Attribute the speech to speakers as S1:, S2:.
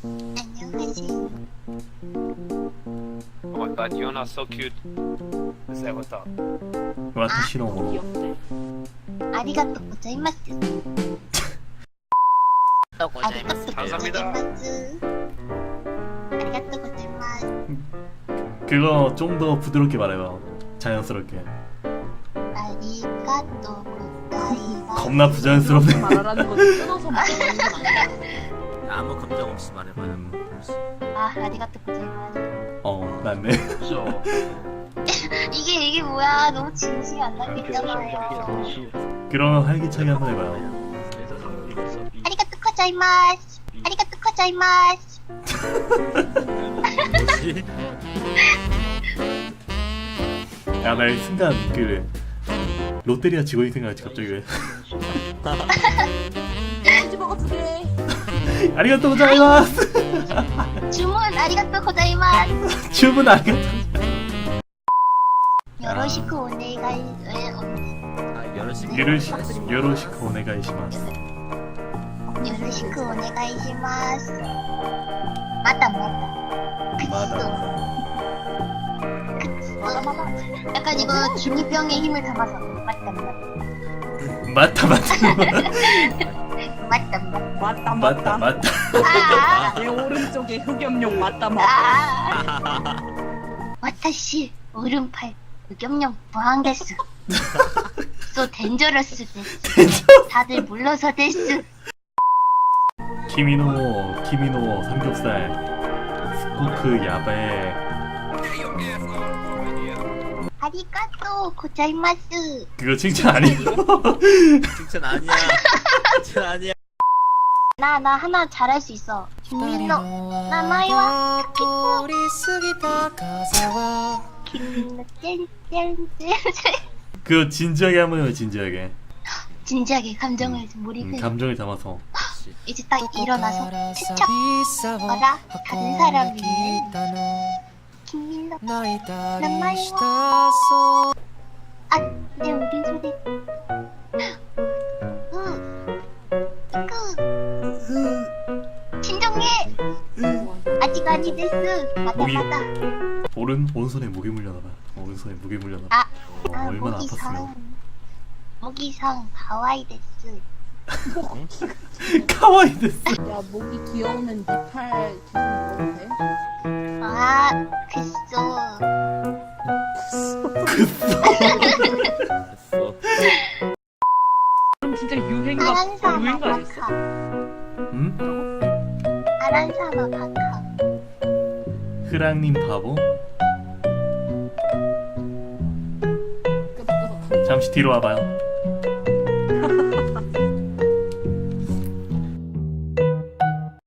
S1: 안녕하세요.
S2: Oh my god, you're not so cute. Say what's up.
S3: 私のもの
S4: 귀엽네.
S1: 아리가또 고자이마스. 아리가또
S2: 감사합니다.
S1: 고자이마스. 아리가또 고자이마스.
S3: 그거 좀 더 부드럽게 말해봐. 자연스럽게.
S1: 아리가또 고자이마스.
S3: 겁나 부자연스럽네.
S4: 말하라는 건 끊어서 말하는 건 아니야.
S5: 아무 감정 없이 말해봐요.
S1: 아, 아리가또 고자이마스.
S3: 맞네.
S2: So,
S1: 이게 뭐야? 너무 진심이 안 담겨 있잖아요.
S3: 그럼 활기차게 한번 해봐요.
S1: 아리가또 고자이마스. 아리가또 고자이마스.
S5: 뭐지?
S3: 야, 나 이 순간 그 롯데리아 직원이 생각나지 갑자기 왜?
S4: 치즈버거 2개.
S3: 아리가또 고자이마스.
S1: 주문 아리가또 고자이마스.
S3: 주문 아리가또.
S1: 요로시쿠 오네가이.
S5: 아, 여러시.
S3: 요로시쿠 오네가이시마스.
S1: 요로시쿠 오네가이시마스. 맞다.
S3: 맞아.
S1: 약간 이거 중이병의 힘을 담아서 맞다.
S3: 맞다.
S1: 아,
S4: 내 오른쪽에 흑염룡 맞다
S1: 와타시 오른팔 의겸령 무한데스. 소 덴저러스 데스. 다들 물러서 데스.
S3: 키미노 삼겹살 스코크 야베.
S1: 아리가또 고자이마스.
S3: 그거 칭찬 아니야?
S5: 칭찬 아니야. 칭찬 아니야.
S1: 나 하나 잘할 수 있어. 김민호 나마이와 타키토. 김민호 짠짠짠.
S3: 그거 진지하게 한번 해요. 진지하게.
S1: 진지하게 감정을 몰입해.
S3: 감정을 담아서.
S1: 이제 딱 일어나서 채척. 어라 다른 사람이 김민호 나마이와. 아, 내 우리 소리. 진정해. 아직 아니데스. 맞다.
S3: 오른손에 무게 물려나봐. 오른손에 무게 물려나봐. 얼마나 아팠으면.
S1: 모기상 가와이 데스.
S3: 카와이 데스.
S4: 야 목이 귀여우면 네팔 기분 먹어도 돼?
S1: 아, 그쏘.
S5: 됐어.
S4: 그럼 진짜 유행가
S1: 아란사마
S4: 아니었어?
S1: 바카.
S3: 응?
S1: 아란사마 바카.
S3: 흐랑님 바보.
S4: 끄덕끄덕.
S3: 잠시 뒤로 와봐요.